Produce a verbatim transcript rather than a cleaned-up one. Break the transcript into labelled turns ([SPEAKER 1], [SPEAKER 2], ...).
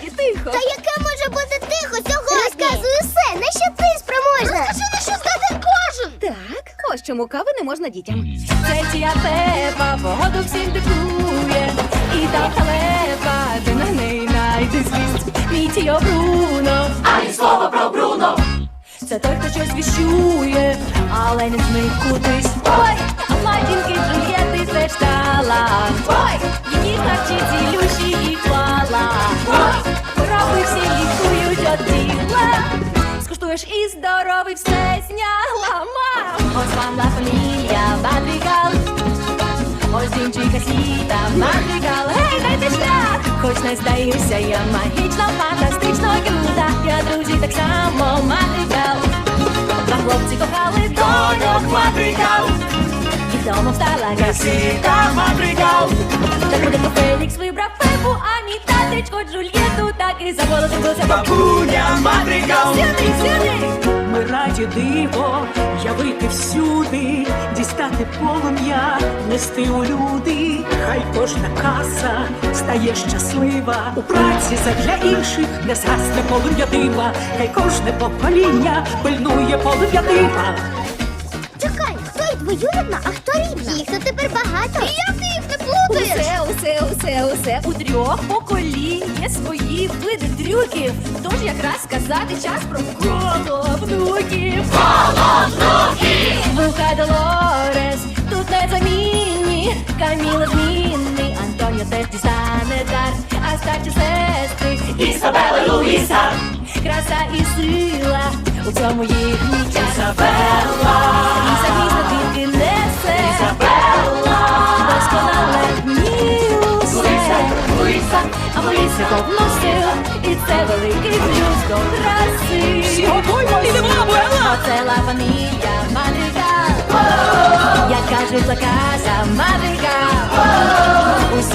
[SPEAKER 1] справді тихо.
[SPEAKER 2] Та яке може бути тихо сьогодні? Розказуй усе, на що ти спроможна? Розкажи, на що здатен кожен.
[SPEAKER 1] Так, ось чому кави не можна дітям. Це тія Пепа, погоду всім диктує. І та халепа, ти на неї найди злість. Мій тіо Бруно, ані слова про Бруно. Це той, хто щось віщує, але не змить кудись. Ой, а матінки Джульєти це ж талант. Ой, її харчі цілющі і хвала. Ой, хвороби всі лікують от діла. Скуштуєш і здоровий все знягла. Мам! Ось вам ла фамілія Мадригал. Ось дівчинка сіта Мадригал. Гей, дайте шлях! Хоч не здаюся, я магічно, фантастично крута. Я друзі так само Мадригал. Два хлопці кохали доньок Мадригал. І вдома встала красита Мадригал. Так буде, бо Фелікс вибрав Пепу, а мій татечко Джульєту так і заголосився бабуня Мадригал. Сюди, сюди!
[SPEAKER 3] Ми раді диво явити всюди, дістати полум'я, нести у люди. Хай кожна каса стає щаслива. У праці задля інших не згасне полум'я дива. Хай кожне покоління пильнує полум'я дива.
[SPEAKER 2] Чекай, хто й двоюрідна, а хто рідна? Їх тут тепер багато. І як ти їх не плутаєш?
[SPEAKER 1] Усе, усе, усе, усе. У трьох поколінь є свої види трюків. Тож якраз сказати час про коло внуків. Коло внуків! Вуха Долорес, тут незамінні. Каміла змінний, Антоніо теж дістане дар. А старші сестри Ісабела і Луїса. Краса і сила, у цьому їхній час. Ісабела! І замість тільки несе. Ісабела! Досконале вмілося. Луїса, Луїса, а Луїса повно сил. І це великий плюс до краси.
[SPEAKER 3] Всі готуємо, ідемо, Абуела!
[SPEAKER 1] Оце ла фамілія Мадригал. Як кажуть, ла каза Мадригал. Усі